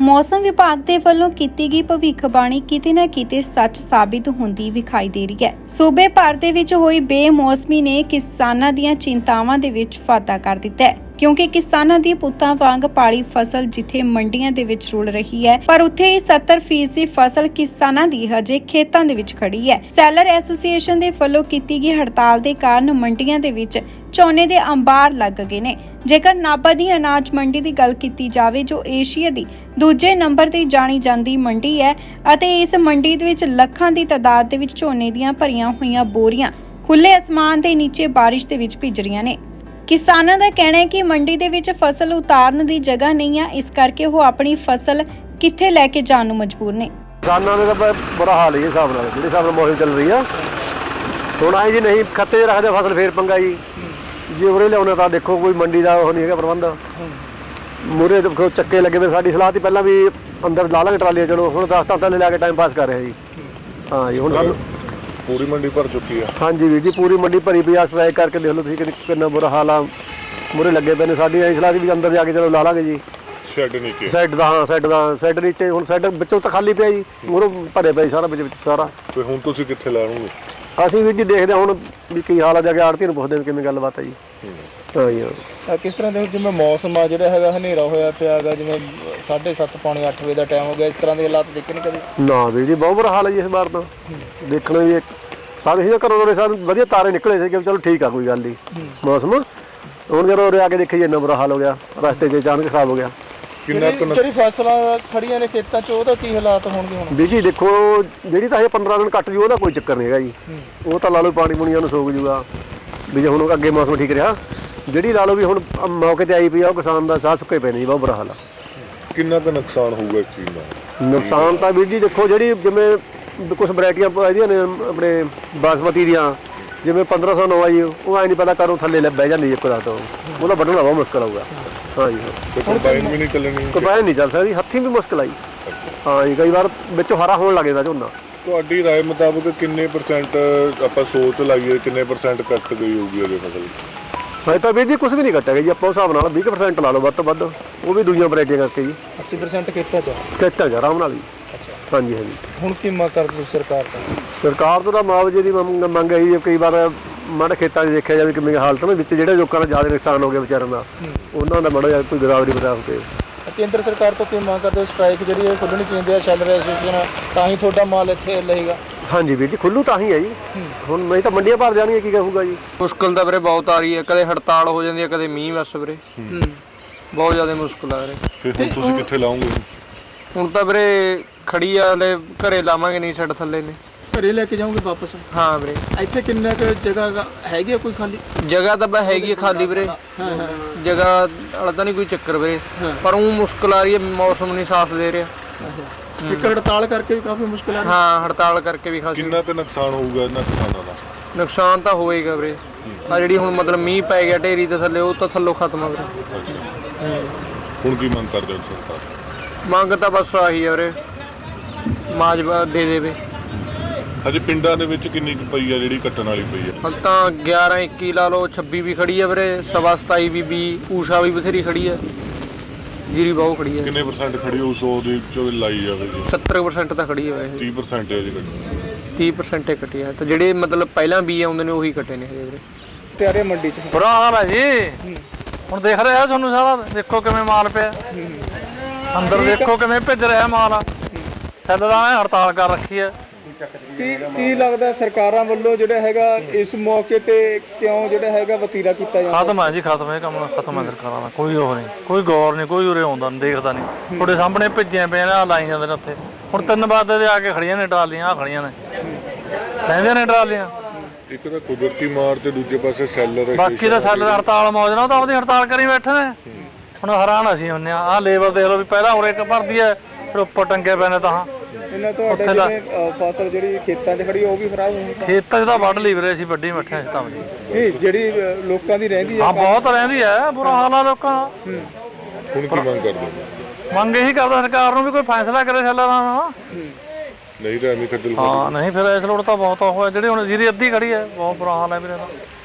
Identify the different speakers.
Speaker 1: मौसम विभाग के ਵੱਲੋਂ ਕੀਤੀ ਗਈ ਭਵਿੱਖਬਾਣੀ ਕਿਤੇ ਨਾ ਕਿਤੇ ਸੱਚ ਸਾਬਿਤ ਹੁੰਦੀ ਵਿਖਾਈ ਦੇ ਰਹੀ ਹੈ। ਸੂਬੇ ਭਰ ਦੇ ਵਿੱਚ ਹੋਈ ਬੇਮੌਸਮੀ ਨੇ ਕਿਸਾਨਾਂ ਦੀਆਂ ਚਿੰਤਾਵਾਂ ਦੇ ਵਿੱਚ ਵਾਧਾ ਕਰ ਦਿੱਤਾ ਹੈ, ਕਿਉਂਕਿ ਕਿਸਾਨਾਂ ਦੀ ਪੁੱਤਾਂ ਵਾਂਗ ਪਾਲੀ ਫਸਲ ਜਿੱਥੇ ਮੰਡੀਆਂ ਦੇ ਵਿੱਚ ਰੁਲ ਰਹੀ ਹੈ, ਪਰ ਉੱਥੇ ਹੀ 70% ਦੀ ਫਸਲ ਕਿਸਾਨਾਂ ਦੀ ਹਜੇ ਖੇਤਾਂ ਦੇ ਵਿੱਚ ਖੜੀ ਹੈ। ਸੈਲਰ ਐਸੋਸੀਏਸ਼ਨ ਦੇ ਵੱਲੋਂ ਕੀਤੀ ਗਈ ਹੜਤਾਲ ਦੇ ਕਾਰਨ ਮੰਡੀਆਂ ਦੇ ਵਿੱਚ ਝੋਨੇ ਦੇ ਅੰਬਾਰ ਲੱਗ ਗਏ ਨੇ। ਜੇਕਰ ਨਾਭਾ ਦੀ ਅਨਾਜ ਮੰਡੀ ਦੀ ਗੱਲ ਕੀਤੀ ਜਾਵੇ, ਜੋ ਏਸ਼ੀਆ ਦੀ ਦੂਜੇ ਨੰਬਰ ਤੇ ਜਾਣੀ ਜਾਂਦੀ ਮੰਡੀ ਹੈ ਅਤੇ ਇਸ ਮੰਡੀ ਦੇ ਵਿੱਚ ਲੱਖਾਂ ਦੀ ਤਾਦਾਦ ਦੇ ਵਿੱਚ ਝੋਨੇ ਦੀਆਂ ਭਰੀਆਂ ਹੋਈਆਂ ਬੋਰੀਆਂ ਖੁੱਲੇ ਅਸਮਾਨ ਦੇ ਨੀਚੇ ਬਾਰਿਸ਼ ਦੇ ਵਿੱਚ ਭਿੱਜ ਰਹੀਆਂ ਨੇ। ਕਿਸਾਨਾਂ ਦਾ ਕਹਿਣਾ ਹੈ ਕਿ ਮੰਡੀ ਦੇ ਵਿੱਚ ਫਸਲ ਉਤਾਰਨ ਦੀ ਜਗ੍ਹਾ ਨਹੀਂ ਹੈ, ਇਸ ਕਰਕੇ ਉਹ ਆਪਣੀ ਫਸਲ ਕਿੱਥੇ ਲੈ ਕੇ ਜਾਣ ਨੂੰ ਮਜਬੂਰ ਨੇ।
Speaker 2: ਕਿਸਾਨਾਂ ਦਾ ਤਾਂ ਬੁਰਾ ਹਾਲ ਹੈ ਹਿਸਾਬ ਨਾਲ, ਜਿਹੜੇ ਹਿਸਾਬ ਨਾਲ ਮੌਸਮ ਚੱਲ ਰਹੀ ਆ। ਹੁਣ ਆਏ ਜੀ ਨਹੀਂ ਖੱਤੇ ਰੱਖਦੇ ਫਸਲ ਫੇਰ ਪੰਗਾ ਜੀ, ਜੇ ਉਰੇ ਲਿਆਉਣਾ ਤਾਂ ਦੇਖੋ ਕੋਈ ਮੰਡੀ ਦਾ ਉਹ ਨਹੀਂ ਹੈਗਾ ਪ੍ਰਬੰਧ। ਮੂਰੇ ਦੇਖੋ ਚੱਕੇ ਲੱਗੇ ਵੇ, ਸਾਡੀ ਸਲਾਹ ਤੀ ਪਹਿਲਾਂ ਵੀ ਅੰਦਰ ਲਾ ਲਾਂਗੇ ਟਰਾਲੀਆਂ, ਚਲੋ ਹੁਣ 10 ਤਾਂ ਥੱਲੇ ਲੈ ਕੇ ਟਾਈਮ ਪਾਸ ਕਰ ਰਿਹਾ ਜੀ। ਹਾਂ ਜੀ, ਹੁਣ ਸਾਨੂੰ
Speaker 3: ਪੂਰੀ ਮੰਡੀ ਭਰ ਚੁੱਕੀ ਆ।
Speaker 2: ਹਾਂਜੀ ਵੀਰ ਜੀ, ਪੂਰੀ ਮੰਡੀ ਭਰੀ ਪਈ ਆ। ਸਟ੍ਰਾਈਕ ਕਰਕੇ ਦੇਖ ਲਓ ਤੁਸੀਂ ਕਿੰਨਾ ਬੁਰਾ ਹਾਲ ਆ। ਮੂਰੇ ਲੱਗੇ ਪਏ ਨੇ, ਸਾਡੀ ਐਂ ਸਲਾਹ ਵੀ ਅੰਦਰ ਜਾ ਕੇ ਚਲੋ ਲਾ ਲਾਂਗੇ ਜੀ
Speaker 3: ਸ਼ੈੱਡ ਨੀਚੇ।
Speaker 2: ਸੈੱਡ ਦਾ, ਹਾਂ ਸੈੱਡ ਨੀਚੇ। ਹੁਣ ਸੈੱਡ ਵਿੱਚੋਂ ਤਾਂ ਖਾਲੀ ਪਿਆ ਜੀ, ਮੂਹਰੋਂ ਭਰੇ ਪਏ ਸਾਰਾ ਵਿੱਚ ਸਾਰਾ।
Speaker 3: ਤੇ ਹੁਣ ਤੁਸੀਂ ਕਿੱਥੇ ਲਾਉਣਗੇ?
Speaker 2: ਅਸੀਂ ਵੀਰ ਜੀ ਦੇਖਦੇ ਹਾਂ ਹੁਣ ਵੀ ਕੀ ਹਾਲ ਆ, ਜਾ ਕੇ ਆੜਤੀ ਨੂੰ ਪੁੱਛਦੇ ਕਿਵੇਂ ਗੱਲਬਾਤ ਆ ਜੀ। ਹਾਂ ਜੀ,
Speaker 4: ਕਿਸ ਤਰ੍ਹਾਂ ਦੇ ਜਿਵੇਂ ਮੌਸਮ ਆ ਜਿਹੜਾ ਹੈਗਾ ਹਨੇਰਾ ਹੋਇਆ ਪਿਆ ਹੈਗਾ, ਜਿਵੇਂ 7:30 ਪੌਣੇ 8 ਵਜੇ ਦਾ ਟਾਈਮ ਹੋ ਗਿਆ, ਇਸ ਤਰ੍ਹਾਂ ਦੇ ਹਾਲਾਤ ਦੇਖੇ ਨਹੀਂ ਕਦੇ?
Speaker 2: ਨਾ ਵੀਰ ਜੀ, ਬਹੁਤ ਬੁਰਾ ਹਾਲ ਹੈ ਜੀ ਇਸ ਵਾਰ ਤਾਂ। ਦੇਖਣਾ ਵੀ ਸਾਰੇ ਹੀ ਘਰੋਂ ਦੇ ਸਾਰੇ ਵਧੀਆ ਤਾਰੇ ਨਿਕਲੇ ਸੀ ਕਿ ਚਲੋ ਠੀਕ ਆ, ਕੋਈ ਗੱਲ ਨਹੀਂ ਮੌਸਮ। ਹੁਣ ਜਦੋਂ ਉਰੇ ਆ ਕੇ ਦੇਖੀਏ ਇੰਨਾ ਬੁਰਾ ਹਾਲ ਹੋ ਗਿਆ, ਰਸਤੇ 'ਚ ਅਚਾਨਕ ਖਰਾਬ ਹੋ ਗਿਆ।
Speaker 4: ਜਿਹੜੀ ਫਸਲਾਂ ਖੜੀਆਂ ਨੇ ਖੇਤਾਂ 'ਚ, ਉਹਦਾ ਕੀ ਹਾਲਾਤ ਹੋਣਗੇ ਹੁਣ?
Speaker 2: ਵੀਰ ਜੀ ਦੇਖੋ, ਜਿਹੜੀ ਤਾਂ ਇਹ 15 ਦਿਨ ਕੱਟ ਜੂ ਉਹਦਾ ਕੋਈ ਚੱਕਰ ਨਹੀਂ ਹੈਗਾ ਜੀ। ਉਹ ਤਾਂ ਲਾ ਲਓ ਪਾਣੀ ਪੁਣੀਆਂ ਨੂੰ ਸੋਕ ਜੂਗਾ ਵੀ, ਜੇ ਹੁਣ ਅੱਗੇ ਮੌਸਮ ਠੀਕ ਰਿਹਾ। ਜਿਹੜੀ ਲਾ ਲਓ ਵੀ ਹੁਣ ਮੌਕੇ ਤੇ ਆਈ ਪਈ ਆ, ਉਹ ਕਿਸਾਨ ਦਾ ਸਾਹ ਸੁੱਕੇ ਪਏ ਨੇ ਜੀ, ਬਹੁਤ ਬੁਰਾ ਹਾਲ ਆ।
Speaker 3: ਕਿੰਨਾ ਕੁ ਨੁਕਸਾਨ ਹੋਊਗਾ ਇਸ ਚੀਜ਼ ਦਾ?
Speaker 2: ਨੁਕਸਾਨ ਤਾਂ ਵੀਰ ਜੀ ਦੇਖੋ, ਜਿਹੜੀ ਜਿਵੇਂ ਕੁਝ ਵੈਰਾਈਟੀਆਂ ਇਹਦੀਆਂ ਨੇ ਆਪਣੇ ਬਾਸਮਤੀ ਦੀਆਂ, ਜਿਵੇਂ 1509 ਆ ਜੀ, ਉਹ ਐ ਨਹੀਂ ਪਤਾ ਕਰੋ ਥੱਲੇ ਬਹਿ ਜਾਂਦੀ ਇੱਕ ਰਾਤ, ਉਹਦਾ ਵੱਢਣਾ ਬਹੁਤ ਮੁਸ਼ਕਲ ਆਊਗਾ। ਹਾਂ ਜੀ,
Speaker 3: ਕੰਬਾਈਨ ਵੀ ਨਹੀਂ ਚੱਲਣੀ,
Speaker 2: ਕੰਬਾਈਨ ਨਹੀਂ ਚੱਲ ਸਕਦੀ, ਹੱਥੀਂ ਵੀ ਮੁਸ਼ਕਲ ਆਈ। ਹਾਂ ਜੀ, ਕਈ ਵਾਰ ਵਿੱਚੋਂ ਹਰਾ ਹੋਣ ਲੱਗ ਜਾਂਦਾ ਝੋਨਾ।
Speaker 3: ਤੁਹਾਡੀ ਰਾਏ ਮੁਤਾਬਕ ਕਿੰਨੇ % ਆਪਾਂ ਸੋਚ ਲਾਈਏ, ਕਿੰਨੇ % ਕੱਟ ਗਈ ਹੋਊਗੀ ਅਜੇ ਫਸਲ?
Speaker 2: ਹਾਂ ਤਾਂ ਵੀਰ ਜੀ ਕੁਝ ਵੀ ਨਹੀਂ ਕੱਟਿਆ ਜੀ, ਆਪਾਂ ਉਸ ਹਿਸਾਬ ਨਾਲ 20% ਲਾ ਲਓ ਵੱਧ ਤੋਂ ਵੱਧ, ਉਹ ਵੀ ਦੂਜੀਆਂ ਵੈਰਾਈਟੀਆਂ ਕਰਕੇ ਜੀ।
Speaker 4: 80% ਖੇਤਾਂ 'ਚ
Speaker 2: ਖੇਤਾਂ 'ਚ ਆਰਾਮ ਨਾਲ ਜੀ। ਹਾਂਜੀ ਹਾਂਜੀ।
Speaker 4: ਹੁਣ ਕੀ ਮੰਗ ਕਰਦੇ ਸਰਕਾਰ ਤੋਂ?
Speaker 2: ਸਰਕਾਰ ਤੋਂ ਤਾਂ ਮੁਆਵਜ਼ੇ ਦੀ ਮੰਗ ਹੈ ਜੀ। ਕਈ ਵਾਰ ਮਾੜੇ ਖੇਤਾਂ 'ਚ ਦੇਖਿਆ ਜਾਵੇ ਕਿਵੇਂ ਹਾਲਤ ਨੇ, ਵਿੱਚ ਜਿਹੜੇ ਲੋਕਾਂ ਦਾ ਜ਼ਿਆਦਾ ਨੁਕਸਾਨ ਹੋ ਗਿਆ ਵਿਚਾਰਿਆਂ ਦਾ, ਉਹਨਾਂ ਦਾ ਮਾੜਾ ਜਿਹਾ ਕੋਈ ਗਦਾਵਰੀ ਬਤਾ ਕੇ।
Speaker 4: ਕੇਂਦਰ ਸਰਕਾਰ ਤੋਂ ਕੀ ਮੰਗ ਕਰਦੇ? ਸਟ੍ਰਾਈਕ ਜਿਹੜੀ ਹੈ ਖੁੱਲ੍ਹਣੀ ਚਾਹੀਦੀ ਹੈ, ਸੈਲਰ ਐਸੋਸੀਏਸ਼ਨ, ਤਾਂ ਹੀ ਤੁਹਾਡਾ ਮਾਲ ਇੱਥੇ ਲਏਗਾ। ਹਾਂਜੀ
Speaker 2: ਵੀਰ ਜੀ, ਖੁੱਲੂ ਤਾਂ ਹੀ ਹੈ ਜੀ। ਹੁਣ ਨਹੀਂ ਤਾਂ ਮੰਡੀਆਂ ਭਰ ਜਾਣਗੀਆਂ, ਕੀ ਕਹੂਗਾ ਜੀ।
Speaker 5: ਮੁਸ਼ਕਲ ਤਾਂ ਵੀਰੇ ਬਹੁਤ ਆ ਰਹੀ ਹੈ, ਕਦੇ ਹੜਤਾਲ ਹੋ ਜਾਂਦੀ ਹੈ, ਕਦੇ ਮੀਂਹ ਵਰਸ ਵੀਰੇ, ਬਹੁਤ ਜ਼ਿਆਦਾ ਮੁਸ਼ਕਲ ਆ ਵੀਰੇ।
Speaker 3: ਫਿਰ ਹੁਣ ਤੁਸੀਂ ਕਿੱਥੇ ਲਾਉਂਗੇ?
Speaker 5: ਹੁਣ ਤਾਂ ਵੀਰੇ ਖੜੀ ਆ, ਹਲੇ ਘਰੇ ਲਾਵਾਂਗੇ, ਨਹੀਂ ਛੱਡ ਥੱਲੇ ਨੇ।
Speaker 4: ਘਰੇ ਲੈ ਕੇ ਜਾਓਗੇ ਵਾਪਸ?
Speaker 5: ਹਾਂ ਵੀਰੇ।
Speaker 4: ਇੱਥੇ ਕਿੰਨਾ ਕੁ ਜਗ੍ਹਾ ਹੈਗੀ ਆ ਕੋਈ ਖਾਲੀ?
Speaker 5: ਜਗ੍ਹਾ ਤਾਂ ਬਸ ਹੈਗੀ ਹੈ ਖਾਲੀ ਵੀਰੇ, ਜਗ੍ਹਾ ਵਾਲਾ ਤਾਂ ਨਹੀਂ ਕੋਈ ਚੱਕਰ ਵੀਰੇ, ਪਰ ਉਹ ਮੁਸ਼ਕਲ ਆ ਰਹੀ ਹੈ, ਮੌਸਮ ਨਹੀਂ ਸਾਥ ਦੇ ਰਿਹਾ।
Speaker 4: ਇੱਕ ਹੜਤਾਲ ਕਰਕੇ ਵੀ ਕਾਫੀ ਮੁਸ਼ਕਲ ਆ ਰਹੀ?
Speaker 5: ਹਾਂ, ਹੜਤਾਲ ਕਰਕੇ ਵੀ ਖਾਸੀ।
Speaker 3: ਕਿੰਨਾ ਕੁ ਨੁਕਸਾਨ ਹੋਊਗਾ ਇਹਨਾਂ ਕਿਸਾਨਾਂ ਦਾ?
Speaker 5: ਨੁਕਸਾਨ ਤਾਂ ਹੋਏਗਾ ਵੀਰੇ, ਆ ਜਿਹੜੀ ਹੁਣ ਮਤਲਬ ਮੀਂਹ ਪੈ ਗਿਆ ਢੇਰੀ ਦੇ ਥੱਲੇ, ਉਹ ਤਾਂ ਥੱਲੋਂ ਖਤਮ ਆ ਵੀਰੇ।
Speaker 3: ਹੁਣ ਕੀ ਮੰਗ ਕਰਦੇ ਹੋ ਸਰਕਾਰ?
Speaker 5: ਮੰਗ ਤਾਂ ਬਸ ਆਹੀ ਹੈ ਵੀਰੇ, ਮਾਜਵਾ ਦੇ ਦੇਵੇ।
Speaker 3: ਹਜੇ ਪਿੰਡਾਂ ਦੇ ਵਿੱਚ ਕਿੰਨੀ ਕੁ ਪਈ ਆ ਜਿਹੜੀ ਕੱਟਣ ਵਾਲੀ ਪਈ ਆ?
Speaker 5: ਹਲ ਤਾਂ 11 21 ਲਾ ਲਓ, 26 ਵੀ ਖੜੀ ਆ ਵੀਰੇ, 27 ਵੀ 20, ਊਸ਼ਾ ਵੀ ਬਥੇਰੀ ਖੜੀ ਆ, ਜੀਰੀ ਬਹੁਤ ਖੜੀ ਆ।
Speaker 3: ਕਿੰਨੇ % ਖੜੀ ਹੋ 100 ਦੇ ਵਿੱਚੋਂ ਲਾਈ ਜਾਵੇ?
Speaker 5: 70% ਤਾਂ ਖੜੀ ਆ ਵੈਸੇ,
Speaker 3: 30% ਹੈ ਜੀ ਕੱਟੀ।
Speaker 5: 30% ਕੱਟੀ ਆ, ਤੇ ਜਿਹੜੇ ਮਤਲਬ ਪਹਿਲਾਂ ਵੀ ਆਉਂਦੇ ਨੇ ਉਹੀ ਕੱਟੇ ਨੇ ਹਜੇ ਵੀਰੇ।
Speaker 4: ਤਿਆਰੇ ਮੰਡੀ 'ਚ
Speaker 6: ਬੁਰਾ ਹਾਲ ਹੈ ਜੀ। ਹੁਣ ਦੇਖ ਰਿਹਾ ਤੁਹਾਨੂੰ ਸਾਰਾ, ਦੇਖੋ ਕਿਵੇਂ ਮਾਲ ਪਿਆ ਅੰਦਰ, ਦੇਖੋ ਕਿਵੇਂ ਭਿੱਜ ਰਿਹਾ ਮਾਲ। ਸੈਲਰਾਂ ਨੇ ਹੜਤਾਲ ਕਰ ਰੱਖੀ ਹੈ।
Speaker 4: ਕੀ ਲੱਗਦਾ ਸਰਕਾਰਾਂ ਵੱਲੋਂ ਜਿਹੜਾ ਹੈਗਾ ਇਸ ਮੌਕੇ ਤੇ ਕਿਉਂ ਜਿਹੜਾ ਹੈਗਾ ਵਤੀਰਾ ਕੀਤਾ ਜਾਂਦਾ?
Speaker 6: ਖਤਮ ਹੈ ਜੀ, ਖਤਮ ਹੈ ਕੰਮ, ਖਤਮ ਹੈ ਸਰਕਾਰਾਂ ਦਾ। ਕੋਈ ਉਹ ਨਹੀਂ, ਕੋਈ ਗੌਰ ਨਹੀਂ, ਕੋਈ ਉਰੇ ਆਉਂਦਾ ਨਹੀਂ, ਦੇਖਦਾ ਨਹੀਂ। ਤੁਹਾਡੇ ਸਾਹਮਣੇ ਭਿੱਜਿਆ ਪਏ ਨੇ, ਲਾਈ ਜਾਂਦੇ ਨੇ ਉੱਥੇ। ਹੁਣ 3 ਵਜੇ ਦੇ ਆ ਕੇ ਖੜੀਆਂ ਨੇ ਟਰਾਲੀਆਂ, ਆ ਖੜੀਆਂ ਨੇ, ਲੈਂਦੇ ਨੇ ਟਰਾਲੀਆਂ।
Speaker 3: ਇੱਕ ਤਾਂ ਕੁਦਰਤੀ ਮਾਰ ਤੇ ਦੂਜੇ ਪਾਸੇ ਸੈਲਰ।
Speaker 6: ਬਾਕੀ ਤਾਂ ਸੈਲਰ ਹੜਤਾਲ ਮੌਜ ਨਾਲ, ਉਹ ਤਾਂ ਆਪਦੀ ਹੜਤਾਲ ਕਰੀ ਬੈਠੇ ਨੇ। ਹੁਣ ਹੈਰਾਨ ਅਸੀਂ ਹੁੰਦੇ ਆ, ਆਹ ਲੇਬਰ ਦੇਖ ਲਓ ਵੀ ਪਹਿਲਾਂ ਉਰੇ ਭਰਦੀ ਹੈ, ਫਿਰ ਉੱਪਰ ਟੰਗੇ ਪਏ ਨੇ। ਤਾਂ
Speaker 4: ਇਹਨਾਂ ਤੁਹਾਡੇ ਜਿਵੇਂ ਫਸਲ ਜਿਹੜੀ ਖੇਤਾਂ 'ਚ ਖੜੀ ਉਹ ਵੀ ਖਰਾਬ ਹੋਣੀ?
Speaker 6: ਖੇਤਾਂ 'ਚ ਤਾਂ ਵੱਢ ਲਈ ਵੀਰੇ, ਅਸੀਂ ਵੱਢੀ ਬੈਠੇ ਹਾਂ। ਤਾਂ
Speaker 4: ਇਹ ਜਿਹੜੀ ਲੋਕਾਂ ਦੀ ਰਹਿੰਦੀ ਹੈ?
Speaker 6: ਹਾਂ, ਬਹੁਤ ਰਹਿੰਦੀ ਹੈ, ਬੁਰਾ ਹਾਲ ਆ ਲੋਕਾਂ ਦਾ।
Speaker 3: ਹੁਣ ਕੀ ਮੰਗ ਕਰਦੇ ਹੋ?
Speaker 6: ਮੰਗ ਇਹੀ ਕਰਦਾ ਸਰਕਾਰ ਨੂੰ ਵੀ ਕੋਈ ਫੈਸਲਾ ਕਰੇ ਸੈਲਰਾਂ ਦਾ।
Speaker 3: ਨਹੀਂ ਤਾਂ ਐਵੇਂ ਖੱਜਲ।
Speaker 6: ਹਾਂ ਨਹੀਂ, ਫਿਰ ਇਸ ਲੋੜ ਤਾਂ ਬਹੁਤ ਹੋਇਆ। ਜਿਹੜੀ ਹੁਣ ਜੀਰੀ ਅੱਧੀ ਖੜੀ ਹੈ, ਬਹੁਤ ਬੁਰਾ ਹਾਲ ਹੈ ਵੀਰੇ ਦਾ।